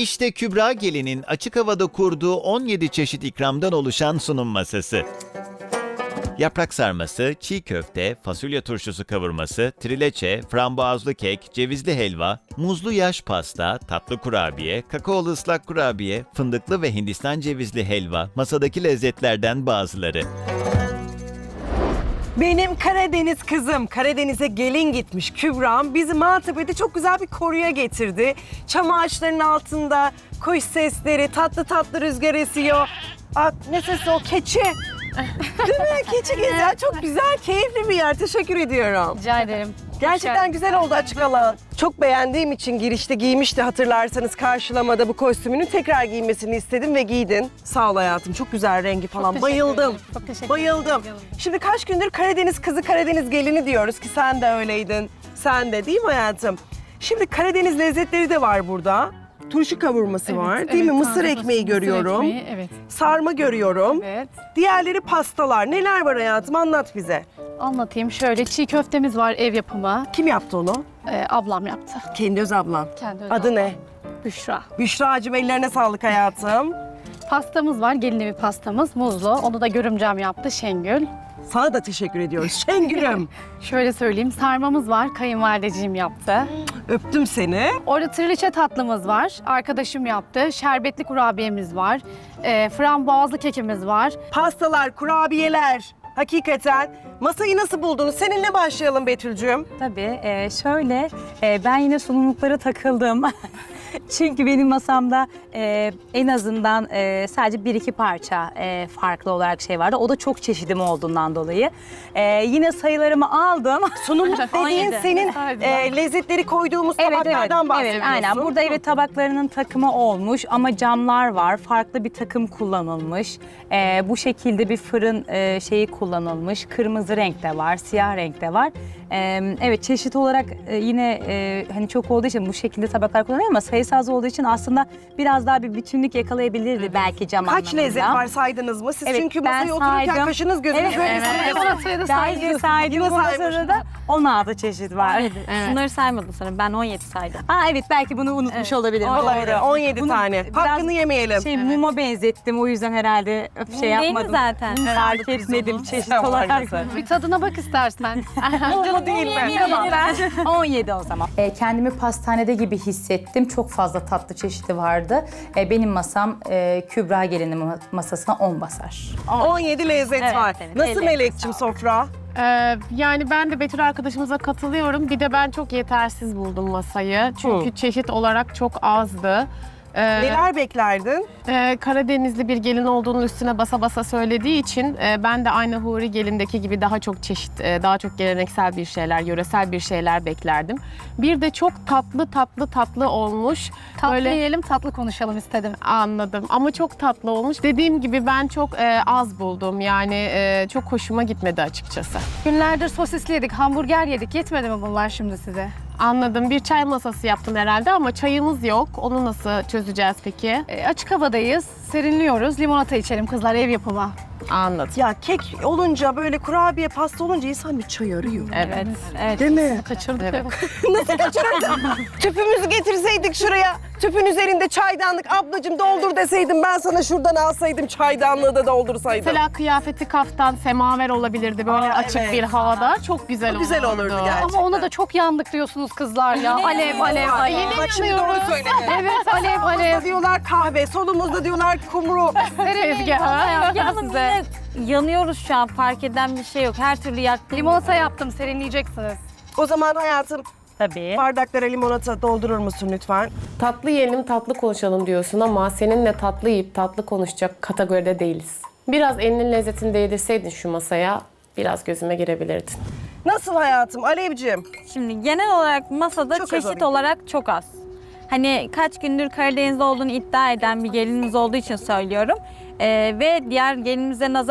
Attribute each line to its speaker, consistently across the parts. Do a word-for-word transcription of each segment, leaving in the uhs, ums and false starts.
Speaker 1: İşte Kübra Gelin'in açık havada kurduğu on yedi çeşit ikramdan oluşan sunum masası. Yaprak sarması, çiğ köfte, fasulye turşusu kavurması, trileçe, frambuazlı kek, cevizli helva, muzlu yaş pasta, tatlı kurabiye, kakaolu ıslak kurabiye, fındıklı ve Hindistan cevizli helva, masadaki lezzetlerden bazıları.
Speaker 2: Benim Karadeniz kızım, Karadeniz'e gelin gitmiş Kübra'm bizi Maltepe'de çok güzel bir koruya getirdi. Çam ağaçlarının altında kuş sesleri, tatlı tatlı rüzgar esiyor. Aa, ne sesi o? Keçi. Değil mi? Keçi gezer. Çok güzel, keyifli bir yer. Teşekkür ediyorum.
Speaker 3: Rica ederim.
Speaker 2: Gerçekten güzel oldu açık alan. Çok beğendiğim için girişte giymişti hatırlarsanız karşılamada bu kostümünü tekrar giymesini istedim ve giydin. Sağ ol hayatım. Çok güzel rengi falan.
Speaker 3: teşekkür
Speaker 2: Bayıldım.
Speaker 3: ederim. Çok teşekkür
Speaker 2: Bayıldım.
Speaker 3: ederim.
Speaker 2: Şimdi kaç gündür Karadeniz kızı, Karadeniz gelini diyoruz ki sen de öyleydin. Sen de değil mi hayatım? Şimdi Karadeniz lezzetleri de var burada. Turşu kavurması var
Speaker 3: Evet,
Speaker 2: değil mi?
Speaker 3: evet,
Speaker 2: Mısır
Speaker 3: taze
Speaker 2: ekmeği
Speaker 3: mısır
Speaker 2: görüyorum.
Speaker 3: ekmeği, evet.
Speaker 2: Sarma görüyorum.
Speaker 3: Evet.
Speaker 2: Diğerleri pastalar. Neler var hayatım? Anlat bize.
Speaker 3: Anlatayım şöyle. Çiğ köftemiz var, ev yapımı.
Speaker 2: Kim yaptı onu?
Speaker 3: Ee, ablam yaptı.
Speaker 2: Kendi öz ablan.
Speaker 3: Kendi öz
Speaker 2: Adı
Speaker 3: ablam.
Speaker 2: ne?
Speaker 3: Büşra.
Speaker 2: Büşra'cığım ellerine sağlık hayatım.
Speaker 3: Pastamız var, gelin evi pastamız, muzlu. Onu da görümcem yaptı, Şengül.
Speaker 2: Sana da teşekkür ediyoruz. Şengül'üm.
Speaker 3: Şöyle söyleyeyim, sarmamız var, kayınvalideciğim yaptı.
Speaker 2: Öptüm seni.
Speaker 3: Orada trileçe tatlımız var, arkadaşım yaptı. Şerbetli kurabiyemiz var. E, frambuazlı kekimiz var.
Speaker 2: Pastalar, kurabiyeler. Hakikaten. Masayı nasıl buldunuz? Seninle başlayalım Betül'cüğüm.
Speaker 4: Tabii. e, şöyle, e, ben yine sunumluklara takıldım. Çünkü benim masamda e, en azından e, sadece bir iki parça e, farklı olarak şey vardı. O da çok çeşidim olduğundan dolayı. E, yine sayılarımı aldım.
Speaker 2: Sunumluk dediğin
Speaker 4: Aynen.
Speaker 2: senin
Speaker 3: Aynen.
Speaker 2: e, lezzetleri koyduğumuz
Speaker 4: Evet, evet,
Speaker 2: tabaklardan bahsediyorsun.
Speaker 4: evet, aynen. Burada evet tabaklarının takımı olmuş ama camlar var. Farklı bir takım kullanılmış. Ee, bu şekilde bir fırın e, şeyi kullanılmış. Kırmızı renk de var, siyah renk de var. Ee, evet çeşit olarak e, yine e, hani çok olduğu için bu şekilde tabaklar kullanılıyor ama sayısı az olduğu için aslında biraz daha bir bütünlük yakalayabilirdi belki cam
Speaker 2: Kaç
Speaker 4: anlamında.
Speaker 2: lezzet var saydınız mı? Siz
Speaker 4: Evet,
Speaker 2: çünkü
Speaker 4: ben
Speaker 2: masaya otururken
Speaker 4: saydım.
Speaker 2: kaşınız gözünüz
Speaker 4: Evet,
Speaker 2: böyle
Speaker 4: evet.
Speaker 2: ısınıyor.
Speaker 3: Limonatayı da
Speaker 4: Daha
Speaker 3: saydım.
Speaker 4: önce saydım
Speaker 2: Yine
Speaker 4: bu masada
Speaker 2: saymışım.
Speaker 4: da on altı çeşit var.
Speaker 5: Şunları saymadın sanırım. Ben on yedi saydım.
Speaker 4: Aa evet belki bunu unutmuş olabilirim.
Speaker 2: Olabilir.
Speaker 4: Doğru.
Speaker 2: on yedi
Speaker 4: Bunu
Speaker 2: tane.
Speaker 4: biraz
Speaker 2: Hakkını yemeyelim.
Speaker 4: Şey muma benzettim o yüzden herhalde şey
Speaker 5: Değil mi
Speaker 4: yapmadım.
Speaker 5: zaten?
Speaker 4: Fark etmedim çeşit
Speaker 2: Sen var
Speaker 4: olarak.
Speaker 2: mısın?
Speaker 3: Bir tadına bak istersen.
Speaker 2: Canı değil mi?
Speaker 4: Tamam. on yedi o zaman.
Speaker 6: E, kendimi pastanede gibi hissettim. Çok fazla tatlı çeşidi vardı. E, benim masam e, Kübra Gelin'in ma- masasına on basar.
Speaker 2: on yedi lezzet
Speaker 5: Evet,
Speaker 2: var.
Speaker 5: evet.
Speaker 2: Nasıl
Speaker 5: Ellerine
Speaker 2: Melek'cim sofra?
Speaker 7: Ee, yani ben de Betül arkadaşımıza katılıyorum. Bir de ben çok yetersiz buldum masayı. Çünkü
Speaker 2: Hı.
Speaker 7: çeşit olarak çok azdı. Ee,
Speaker 2: Neler beklerdin?
Speaker 7: e, Karadenizli bir gelin olduğunun üstüne basa basa söylediği için e, ben de aynı Huri gelindeki gibi daha çok çeşit, e, daha çok geleneksel bir şeyler, yöresel bir şeyler beklerdim. Bir de çok tatlı tatlı tatlı olmuş.
Speaker 3: Tatlı
Speaker 7: Böyle-
Speaker 3: yiyelim, tatlı konuşalım istedim.
Speaker 7: Anladım ama çok tatlı olmuş. Dediğim gibi ben çok e, az buldum. Yani e, çok hoşuma gitmedi açıkçası.
Speaker 3: Günlerdir sosisli yedik, hamburger yedik. Yetmedi mi bunlar şimdi size?
Speaker 7: Anladım. Bir çay masası yaptın herhalde ama çayımız yok. Onu nasıl çözeceğiz peki?
Speaker 3: E, açık havadayız, serinliyoruz. Limonata içelim kızlar, ev yapımı.
Speaker 7: Anladım.
Speaker 2: Ya kek olunca böyle kurabiye pasta olunca insan bir çay arıyor.
Speaker 7: Evet.
Speaker 5: Evet.
Speaker 2: Değil mi?
Speaker 3: Kaçırdık.
Speaker 7: Evet.
Speaker 2: Nasıl kaçırırdım? Tüpümüzü getirseydik şuraya. Tüpün üzerinde çaydanlık. Ablacığım doldur deseydim ben sana şuradan alsaydım çaydanlığı da doldursaydım.
Speaker 7: Mesela kıyafeti kaftan, semaver olabilirdi böyle
Speaker 2: Aa,
Speaker 7: açık
Speaker 2: evet.
Speaker 7: bir havada. Çok güzel olurdu.
Speaker 2: Güzel olurdu gerçekten.
Speaker 3: Ama ona da çok yandık diyorsunuz kızlar ya. Alev, alev, alev.
Speaker 7: Yine
Speaker 2: Bak şimdi
Speaker 7: yanıyoruz.
Speaker 2: doğru söyledin.
Speaker 3: Evet, alev,
Speaker 2: Sağımızda
Speaker 3: alev.
Speaker 2: diyorlar kahve, solumuzda diyorlar kumru.
Speaker 7: Tezgahı.
Speaker 5: Yalnız yine yanıyoruz şu an. Fark eden bir şey yok. Her türlü yaktım.
Speaker 3: Limonata yaptım, serinleyeceksiniz.
Speaker 2: O zaman hayatım
Speaker 4: Tabii.
Speaker 2: bardaklara limonata doldurur musun lütfen?
Speaker 8: Tatlı yiyelim, tatlı konuşalım diyorsun ama seninle tatlı yiyip tatlı konuşacak kategoride değiliz. Biraz elinin lezzetini değdirseydin şu masaya, biraz gözüme girebilirdin.
Speaker 2: Nasıl hayatım Alevciğim?
Speaker 5: Şimdi genel olarak masada
Speaker 2: Çok az
Speaker 5: çeşit
Speaker 2: alayım.
Speaker 5: olarak çok az. Hani kaç gündür Karadeniz'de olduğunu iddia eden bir gelinimiz olduğu için söylüyorum. Ee, ve diğer gelinimize nazaran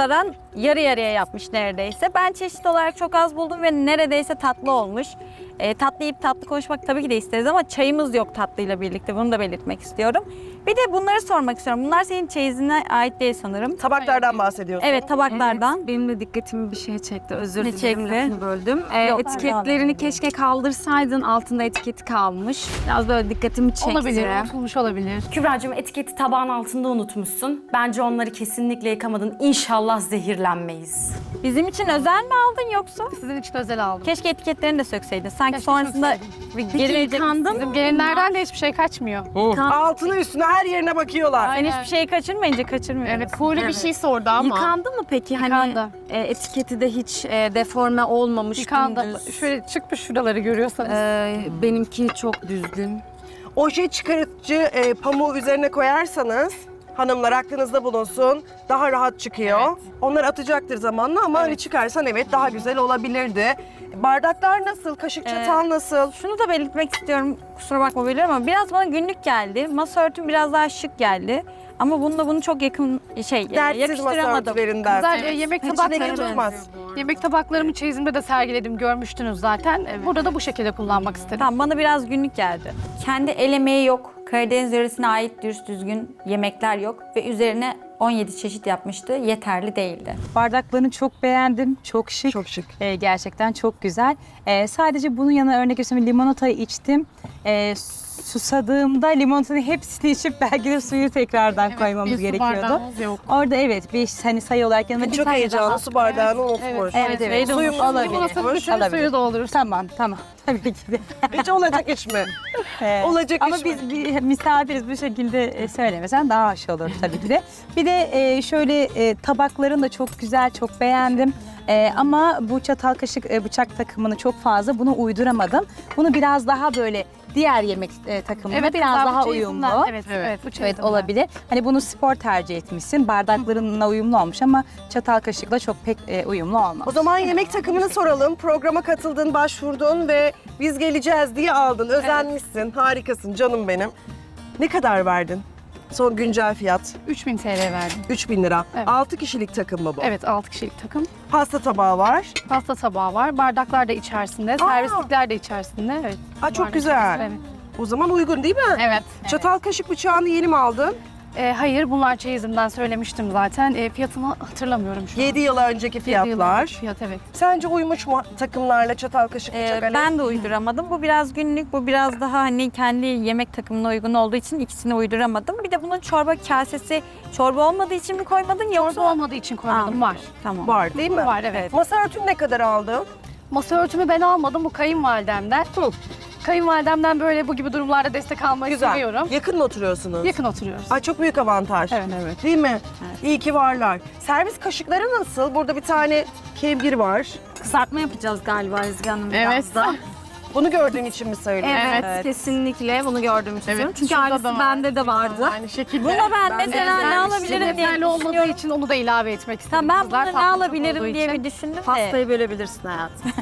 Speaker 5: yarı yarıya yapmış neredeyse. Ben çeşit olarak çok az buldum ve neredeyse tatlı olmuş. E, tatlı yiyip tatlı konuşmak tabii ki de isteriz ama çayımız yok tatlıyla birlikte. Bunu da belirtmek istiyorum. Bir de bunları sormak istiyorum. Bunlar senin çeyizine ait değil sanırım.
Speaker 2: Tabaklardan bahsediyorsun.
Speaker 5: Evet, tabaklardan.
Speaker 9: Benim de dikkatimi bir şey çekti. Özür
Speaker 5: Ne
Speaker 9: dilerim
Speaker 5: çekti?
Speaker 9: lafını böldüm. Ee,
Speaker 5: Yok,
Speaker 9: etiketlerini keşke kaldırsaydın. Altında etiketi kalmış. Biraz böyle dikkatimi çekti.
Speaker 3: Olabilir, unutulmuş olabilir.
Speaker 10: Kübra'cığım etiketi tabağın altında unutmuşsun. Bence onları kesinlikle yıkamadın. İnşallah zehirlenmeyiz.
Speaker 5: Bizim için özel mi aldın yoksa?
Speaker 3: Sizin için özel aldım.
Speaker 5: Keşke etiketlerini de sökseydin. Sanki
Speaker 3: Keşke
Speaker 5: sonrasında
Speaker 3: sökseydin.
Speaker 5: bir geri verecek.
Speaker 9: yıkandım.
Speaker 3: Bizim gelinlerden de hiçbir şey kaçmıyor.
Speaker 2: Altına üstüne her yerine bakıyorlar.
Speaker 5: Sen hiçbir şeyi kaçırmayınca kaçırmıyorsun.
Speaker 7: Evet, Huri bir şey sordu ama.
Speaker 9: Yıkandı mı peki? Hani
Speaker 3: Yıkandı.
Speaker 9: e, etiketi de hiç e, deforme olmamış.
Speaker 3: Yıkandı.
Speaker 9: dümdüz.
Speaker 3: Şöyle çıkmış şuraları görüyorsanız.
Speaker 9: Ee, benimki çok düzgün.
Speaker 2: Oje çıkarıcı e, pamuğu üzerine koyarsanız hanımlar aklınızda bulunsun. Daha rahat çıkıyor. Onlar atacaktır zamanla ama hani çıkarsan evet daha güzel olabilirdi. Bardaklar nasıl? Kaşık çatal nasıl?
Speaker 5: Şunu da belirtmek istiyorum. Kusura bakma biliyorum ama biraz bana günlük geldi. Masa örtüm biraz daha şık geldi. Ama bununla bunu çok yakın şey
Speaker 2: Dertsiz masa
Speaker 5: yakıştıramadım.
Speaker 2: örtülerinden.
Speaker 3: Güzel e, yemek
Speaker 2: İçine
Speaker 3: tabaklarımı,
Speaker 2: durmaz.
Speaker 3: yemek tabaklarımı çeyizimde de sergiledim. Görmüştünüz zaten. E, Burada da bu şekilde kullanmak istedim.
Speaker 5: Tamam, bana biraz günlük geldi. Kendi el emeği yok. Karadeniz yöresine ait dürüst düzgün yemekler yok. Ve üzerine on yedi çeşit yapmıştı. Yeterli değildi.
Speaker 4: Bardaklarını çok beğendim. Çok şık.
Speaker 2: Çok şık.
Speaker 4: Ee, gerçekten çok güzel. Ee, sadece bunun yanına örnek göstereyim. Limonatayı içtim. Ee, susadığımda limonatanın hepsini içip belki de suyu tekrardan koymamız
Speaker 7: Bir su
Speaker 4: gerekiyordu.
Speaker 7: bardağımız yok.
Speaker 4: Orada evet bir hani sayı olarak yanıma bir
Speaker 2: Çok
Speaker 4: tane
Speaker 2: heyecanlı
Speaker 4: daha-
Speaker 2: su bardağını unutmuş.
Speaker 4: Evet evet.
Speaker 2: Suyumuz
Speaker 4: Olabilir.
Speaker 3: Limonatanın bütün
Speaker 4: Olabilir.
Speaker 3: suyu doldurursun.
Speaker 4: Tamam tamam. Tabii ki de.
Speaker 2: Hiç olacak iş mi?
Speaker 4: Ee,
Speaker 2: Olacak
Speaker 4: Ama
Speaker 2: iş mi?
Speaker 4: biz bir misafiriz bu şekilde e, söylemesen daha hoş olur tabii ki de. Bir de e, şöyle e, tabakların da çok güzel, çok beğendim. E, ama bu çatal kaşık e, bıçak takımını çok fazla bunu uyduramadım. Bunu biraz daha böyle diğer yemek e, takımına biraz
Speaker 3: kızlar, bu
Speaker 4: daha
Speaker 3: çeyizinden.
Speaker 4: uyumlu.
Speaker 3: Evet,
Speaker 7: Evet.
Speaker 3: evet, bu
Speaker 4: Evet
Speaker 3: çeyizinden.
Speaker 4: olabilir. Hani bunu spor tercih etmişsin. Bardaklarınla uyumlu olmuş ama çatal kaşıkla çok pek e, uyumlu olmaz.
Speaker 2: O zaman yemek takımını soralım. Programa katıldın, başvurdun ve biz geleceğiz diye aldın. Özenmişsin, harikasın canım benim. Ne kadar verdin? Son güncel fiyat
Speaker 3: üç bin T L verdim.
Speaker 2: üç bin lira.
Speaker 3: Evet.
Speaker 2: altı kişilik takım mı bu?
Speaker 3: Evet, altı kişilik takım.
Speaker 2: Pasta tabağı var.
Speaker 3: Pasta tabağı var, bardaklar da içerisinde, servislikler de içerisinde. Evet.
Speaker 2: Aa, çok
Speaker 3: Bardak
Speaker 2: güzel.
Speaker 3: içerisinde, Evet.
Speaker 2: O zaman uygun değil mi?
Speaker 3: Evet.
Speaker 2: Çatal kaşık bıçağını yeni mi aldın?
Speaker 3: E, hayır, bunlar çeyizimden söylemiştim zaten. E, fiyatını hatırlamıyorum şu an.
Speaker 2: yedi yıl önceki
Speaker 3: Yedi yıl
Speaker 2: fiyatlar.
Speaker 3: önceki Fiyat, evet.
Speaker 2: Sence uymuş mu takımlarla çatal kaşık
Speaker 5: Ee,
Speaker 2: bıçak? Alev?
Speaker 5: ben de uyduramadım. Bu biraz günlük, bu biraz daha hani kendi yemek takımına uygun olduğu için ikisini uyduramadım. Bir de bunun çorba kasesi çorba olmadığı için mi koymadın yoksa?
Speaker 3: Çorba olmadığı için koymadım, var.
Speaker 5: Tamam.
Speaker 2: Var değil mi?
Speaker 3: Var, evet.
Speaker 2: Masa örtünü ne kadar aldın?
Speaker 3: Masa örtümü ben almadım, bu kayınvalidemden.
Speaker 2: Hı.
Speaker 3: Kayınvalidemden böyle bu gibi durumlarda destek almayı
Speaker 2: Güzel.
Speaker 3: seviyorum.
Speaker 2: Yakın mı oturuyorsunuz?
Speaker 3: Yakın oturuyoruz.
Speaker 2: Ay çok büyük avantaj.
Speaker 3: Evet, evet.
Speaker 2: Değil mi? İyi ki varlar. Servis kaşıkları nasıl? Burada bir tane kevgir var.
Speaker 9: Kızartma yapacağız galiba Ezgi Hanım
Speaker 7: Evet.
Speaker 9: biraz da.
Speaker 2: Bunu gördüğün için mi söylüyorsun?
Speaker 9: Evet,
Speaker 7: Evet.
Speaker 9: kesinlikle bunu gördüğüm için.
Speaker 7: Evet,
Speaker 9: Çünkü
Speaker 7: şurada
Speaker 9: aynısı
Speaker 7: da var.
Speaker 9: bende de vardı.
Speaker 7: Aynı şekilde.
Speaker 5: Buna ben, mesela ne alabilirim diye
Speaker 3: Yeterli olmadığı
Speaker 5: düşünüyorum.
Speaker 3: için onu da ilave etmek istedim.
Speaker 5: Tamam, ben
Speaker 3: Kızlar
Speaker 5: buna ne
Speaker 3: tatlı çok
Speaker 5: alabilirim
Speaker 3: olduğu
Speaker 5: diye
Speaker 3: için.
Speaker 5: bir düşündüm de.
Speaker 9: Pastayı bölebilirsin hayatım.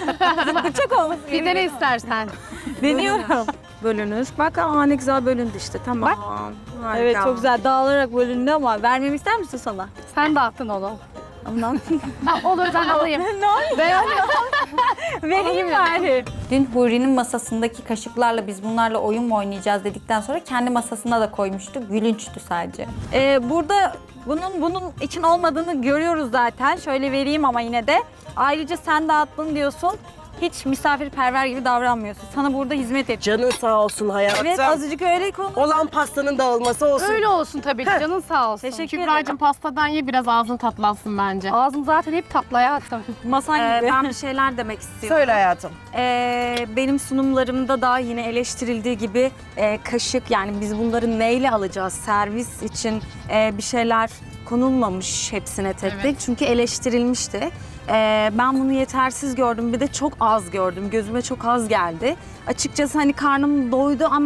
Speaker 5: Bıçak olması
Speaker 3: Bir de ne istersen.
Speaker 5: deniyorum.
Speaker 9: Bölünür. Bak aa ne güzel bölündü işte. Tamam. Harika.
Speaker 5: Evet, çok güzel dağılarak bölündü ama vermemi ister misin sana?
Speaker 3: Sen dağıttın onu.
Speaker 5: Ondan
Speaker 3: Ha, olur, ben alayım. Ben
Speaker 5: vereyim bari. Dün Huri'nin masasındaki kaşıklarla biz bunlarla oyun mu oynayacağız dedikten sonra kendi masasına da koymuştu. Gülünçtü sadece. Ee, burada bunun bunun için olmadığını görüyoruz zaten. Şöyle vereyim ama yine de. Ayrıca sen dağıttın diyorsun. Hiç misafirperver gibi davranmıyorsun. Sana burada hizmet et.
Speaker 2: Canın sağ olsun hayatım.
Speaker 5: Evet, azıcık öyle konu.
Speaker 2: Olan pastanın dağılması olsun.
Speaker 3: Öyle olsun tabii ki, canın sağ olsun.
Speaker 5: Teşekkür
Speaker 7: Kübra'cığım pastadan ye, biraz ağzın tatlansın bence.
Speaker 3: Ağzım zaten hep tatlı hayatım.
Speaker 5: Masan
Speaker 9: Ee,
Speaker 5: gibi.
Speaker 9: ben bir şeyler demek istiyorum.
Speaker 2: Söyle hayatım.
Speaker 9: Ee, benim sunumlarımda da yine eleştirildiği gibi e, kaşık, yani biz bunları neyle alacağız? Servis için e, bir şeyler konulmamış hepsine tek tek. Çünkü eleştirilmişti. Ee, ben bunu yetersiz gördüm. Bir de çok az gördüm. Gözüme çok az geldi. Açıkçası hani karnım doydu ama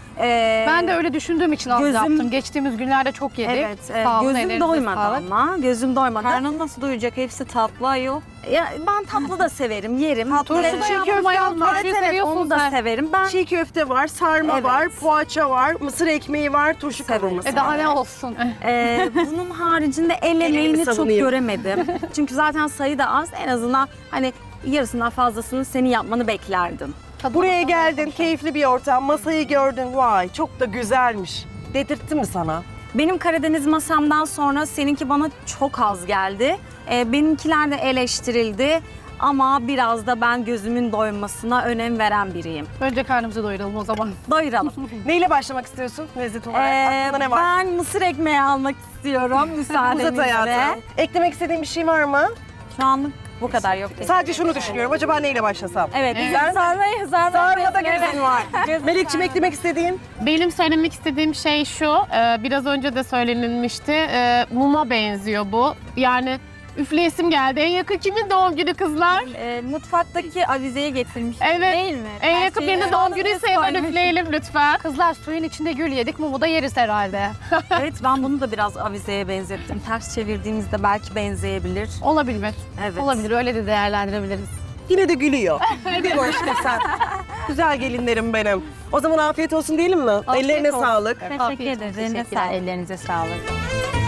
Speaker 9: Ee,
Speaker 3: Ben de öyle düşündüğüm için az
Speaker 9: Gözüm-
Speaker 3: yaptım. Geçtiğimiz günlerde çok yedik.
Speaker 9: Evet, evet.
Speaker 3: Sağ olun,
Speaker 9: Gözüm
Speaker 3: ellerinize
Speaker 9: doymadı
Speaker 3: sağlık.
Speaker 9: ama. Gözüm doymadı.
Speaker 5: Karnın nasıl doyacak? Hepsi tatlı ayol.
Speaker 9: Ya, ben tatlı da severim, yerim.
Speaker 3: Turşu
Speaker 9: Evet,
Speaker 3: da
Speaker 9: çiğ
Speaker 3: yaptım
Speaker 9: köfte
Speaker 3: ayol,
Speaker 9: var.
Speaker 3: turşuyu
Speaker 9: Evet,
Speaker 3: seviyorsun
Speaker 9: onu da
Speaker 3: sen.
Speaker 9: severim. Ben
Speaker 2: Çiğ köfte var, sarma
Speaker 9: Evet.
Speaker 2: var, poğaça var, mısır ekmeği var, turşu
Speaker 9: Severim.
Speaker 2: kavurması
Speaker 3: E
Speaker 2: var.
Speaker 3: daha ne olsun?
Speaker 9: Ee, bunun haricinde el emeğini çok
Speaker 2: savunayım.
Speaker 9: göremedim. Çünkü zaten sayı da az. En azından hani yarısından fazlasını senin yapmanı beklerdim.
Speaker 2: Buraya geldin, keyifli bir ortam, masayı gördün, vay çok da güzelmiş. Dedirtti mi sana?
Speaker 9: Benim Karadeniz masamdan sonra seninki bana çok az geldi. Ee, benimkiler de eleştirildi. Ama biraz da ben gözümün doymasına önem veren biriyim.
Speaker 3: Önce karnımızı doyuralım o zaman.
Speaker 9: Doyuralım.
Speaker 2: Neyle başlamak istiyorsun lezzet olarak?
Speaker 9: Ee,
Speaker 2: Aklında ne var?
Speaker 9: ben mısır ekmeği almak istiyorum
Speaker 2: Uzat
Speaker 9: müsaadenizle.
Speaker 2: hayatım. Eklemek istediğin bir şey var mı?
Speaker 9: Şu anlık bu kadar yok.
Speaker 2: Sadece şunu düşünüyorum, acaba neyle başlasam?
Speaker 9: Evet,
Speaker 2: Sen-
Speaker 9: sarmayı, sarmayı.
Speaker 2: Sarmada gözün var.
Speaker 9: Gözüm
Speaker 2: Melekciğim eklemek istediğin?
Speaker 8: Benim söylemek istediğim şey şu, e, biraz önce de söylenilmişti. E, muma benziyor bu. Yani üfleyesim geldi. En yakın kimin doğum günü kızlar?
Speaker 5: Ee, mutfaktaki avizeye getirmiş.
Speaker 8: Evet.
Speaker 5: Değil mi?
Speaker 8: En
Speaker 5: Her
Speaker 8: yakın
Speaker 5: şeyi
Speaker 8: birinin doğum günüyse
Speaker 5: önünüze
Speaker 8: hemen
Speaker 5: koymuş.
Speaker 8: üfleyelim lütfen.
Speaker 3: Kızlar suyun içinde gül yedik, mumu da yeriz herhalde.
Speaker 9: Evet, ben bunu da biraz avizeye benzettim. Ters çevirdiğimizde belki benzeyebilir.
Speaker 3: Olabilir.
Speaker 9: Evet.
Speaker 3: Olabilir, öyle de değerlendirebiliriz.
Speaker 2: Yine de gülüyor. Gülüyor işte sen. Güzel gelinlerim benim. O zaman afiyet olsun diyelim mi?
Speaker 3: Afiyet
Speaker 2: Ellerine
Speaker 3: olsun.
Speaker 2: sağlık.
Speaker 5: Teşekkür
Speaker 3: Afiyet
Speaker 5: ederiz.
Speaker 3: olsun,
Speaker 5: Eline
Speaker 6: Teşekkürler,
Speaker 5: sağlık.
Speaker 6: ellerinize sağlık.